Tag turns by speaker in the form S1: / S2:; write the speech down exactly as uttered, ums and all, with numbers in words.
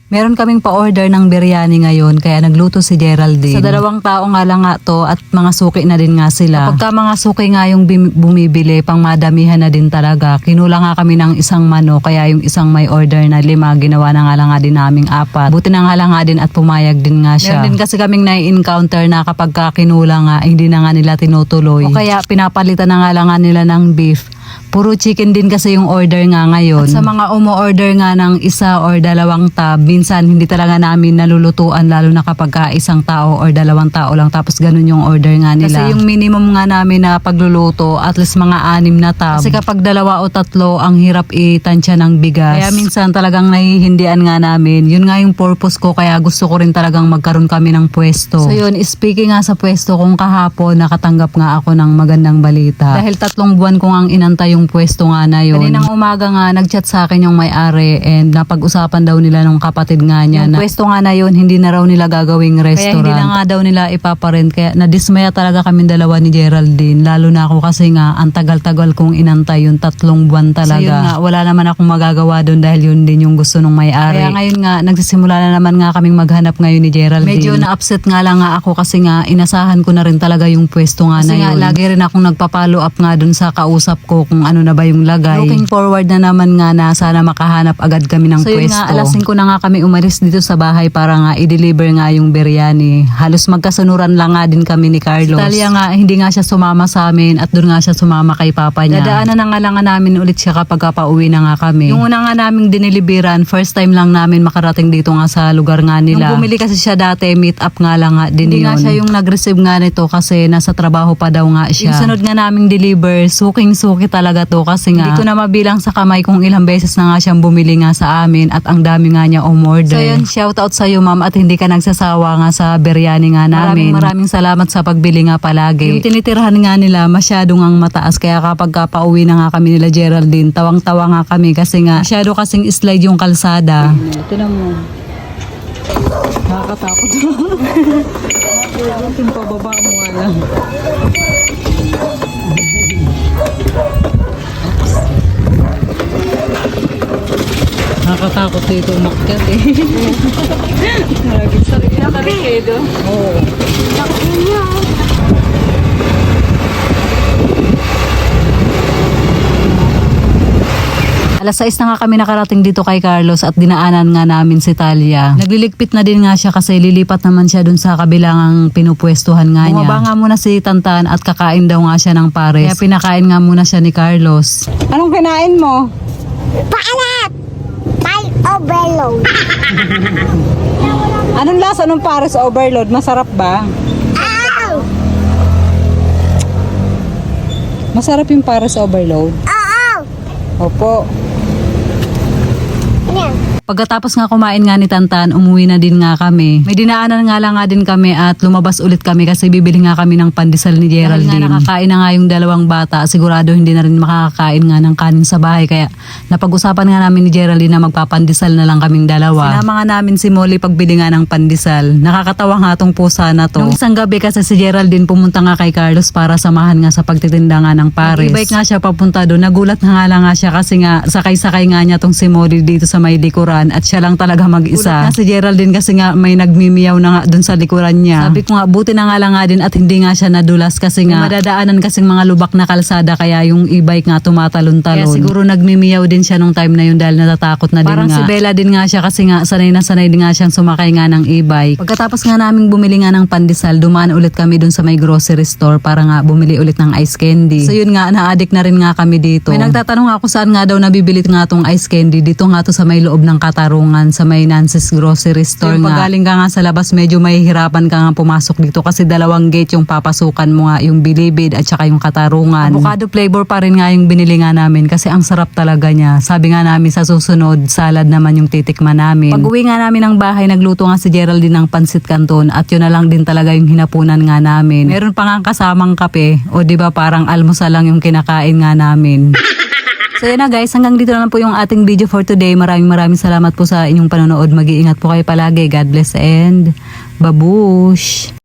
S1: Meron kaming pa-order ng biryani ngayon kaya nagluto si Geraldine. Sa dalawang tao nga lang nga to at mga suki na din nga sila. Kapag ka mga suki nga yung bim- bumibili, pang madamihan na din talaga. Kinula nga kami ng isang mano kaya yung isang may order na lima, ginawa na nga lang nga din naming apat. Buti na nga lang nga din at pumayag din nga siya. Meron din kasi kaming nai-encounter na kapag ka kinula nga, hindi na nga nila tinutuloy. O kaya pinapalitan na nga lang nga nila ng beef. Puro chicken din kasi yung order nga ngayon. At sa mga umo-order nga ng isa or dalawang tab, minsan hindi talaga namin nalulutuan lalo na kapag ka isang tao or dalawang tao lang tapos ganun yung order nga nila. Kasi yung minimum nga namin na pagluluto at least mga anim na tab. Kasi kapag dalawa o tatlo ang hirap itansya ng bigas. Kaya minsan talagang nahihindian nga namin. Yun nga yung purpose ko kaya gusto ko rin talagang magkaroon kami ng pwesto. So yun, speaking nga sa pwesto kung kahapon nakatanggap nga ako ng magandang balita. Dahil tatlong buwan ko nga inantay yung pwesto nga na yun. Kaninang umaga nga nagchat sa akin yung may-ari and napag-usapan daw nila nung kapatid nga niya yung na pwesto nga na yun hindi na raw nila gagawing restaurant. Kaya hindi na nga daw nila ipaparent. Kaya nadismaya talaga kami dalawa ni Geraldine. Lalo na ako kasi nga ang tagal-tagal kong inantay yung tatlong buwan talaga. So yun nga, wala naman akong magagawa doon dahil yun din yung gusto nung may-ari. Kaya ngayon nga nagsisimula na naman nga kaming maghanap ngayon ni Geraldine. Medyo na-upset nga lang nga ako kasi nga inasahan ko na rin talaga yung pwesto nga kasi na yun. Kasi nga lagi rin akong nagpa-follow up nga doon sa kausap ko kung ano na ba yung lagay. Looking forward na naman nga na sana makahanap agad kami ng so pwesto. So yun nga, alas singko na nga kami umalis dito sa bahay para nga i-deliver nga yung biryani. Halos magkasunuran lang nga din kami ni Carlos. Si Talia nga, hindi nga siya sumama sa amin at doon nga siya sumama kay papa niya. Dadaanan na nga lang nga namin ulit siya kapag pauwi na nga kami. Yung una nga naming diniliberan, first time lang namin makarating dito nga sa lugar nga nila. Nung bumili kasi siya dati, meet up nga lang nga din hindi yun. Hindi nga siya yung nag-receive nga nito kasi nasa trabaho pa daw nga siya. Yung sunod nga naming deliver, suking-suki talaga to kasi nga hindi ko na mabilang sa kamay kung ilang beses na nga siyang bumili nga sa amin at ang dami nga niya umorder. So yun, shout out sa iyo ma'am at hindi ka nagsasawa nga sa biryani nga namin. Maraming maraming salamat sa pagbili nga palagi. Yung tinitirhan nga nila masyado ngang mataas kaya kapag ka pauwi na nga kami nila Geraldine, tawang-tawa nga kami kasi nga masyado kasing slide yung kalsada. Tinan mo. Nakakatakot. Yung pababa mo nga lang. Nakakatakot dito umakyat eh. Sarili na kalikido. Oo. Nakakit niya. Alas sais na nga kami nakarating dito kay Carlos at dinaanan nga namin si Talia. Nagliligpit na din nga siya kasi lilipat naman siya dun sa kabilang pinupwestuhan nga niya. Bumaba nga muna si Tantan at kakain daw nga siya ng pares. Kaya pinakain nga muna siya ni Carlos. Anong kinain mo?
S2: Paalat! May overload.
S1: Anong lasa ng pares overload? Masarap ba?
S2: Ow!
S1: Masarap yung pares overload?
S2: Oo!
S1: Opo.
S2: Yan.
S1: Pagkatapos nga kumain nga ni Tantan, umuwi na din nga kami. May dinaanan nga lang nga din kami at lumabas ulit kami kasi bibili nga kami ng pandesal ni Geraldine. Dahil nga nakakain na nga yung dalawang bata, sigurado hindi na rin makakakain nga ng kanin sa bahay. Kaya napag-usapan nga namin ni Geraldine na magpapandesal na lang kaming dalawa. Sinama nga namin si Molly pagbili nga ng pandesal. Nakakatawa nga tong pusa na to. Nung isang gabi kasi si Geraldine pumunta nga kay Carlos para samahan nga sa pagtitinda nga ng pares. Nag-bike nga siya papunta doon. Nagulat na nga lang nga siya kasi nga sakay-sakay nga niya tong si Molly dito sa may likuran at siya lang talaga mag-isa. Ulit nga si Geraldine kasi nga may nagmimiyaw na nga dun sa likuran niya. Sabi ko nga buti na nga lang nga din at hindi nga siya nadulas kasi nga madadaanan kasing mga lubak na kalsada kaya yung e-bike nga tumatalon-talon. Kaya siguro nagmimiyaw din siya nung time na yun dahil natatakot na din Parang nga. Parang si Bella din nga siya kasi nga sanay na sanay din nga siyang sumakay nga ng e-bike. Pagkatapos nga naming bumili nga ng pandesal, dumaan ulit kami dun sa may grocery store para nga bumili ulit ng ice candy. So yun nga, na-addict na rin nga kami dito. May nagtatanong ako saan nga daw nabibili nga tong ice candy. Dito nga to sa may loob ng Katarungan sa may Nancy's grocery store so, nga. Pag galing ka nga sa labas, medyo mahihirapan ka nga pumasok dito kasi dalawang gate yung papasukan mo nga, yung Bilibid at saka yung Katarungan. Avocado flavor pa rin nga yung binili nga namin kasi ang sarap talaga niya. Sabi nga namin sa susunod, salad naman yung titikman namin. Pag uwi nga namin ng bahay, nagluto nga si Geraldine ng pansit canton at yun na lang din talaga yung hinapunan nga namin. Meron pa nga kasamang kape o diba parang almusal lang yung kinakain nga namin. So yun na guys, hanggang dito na lang po yung ating video for today. Maraming maraming salamat po sa inyong panonood. Mag-iingat po kayo palagi. God bless and babush!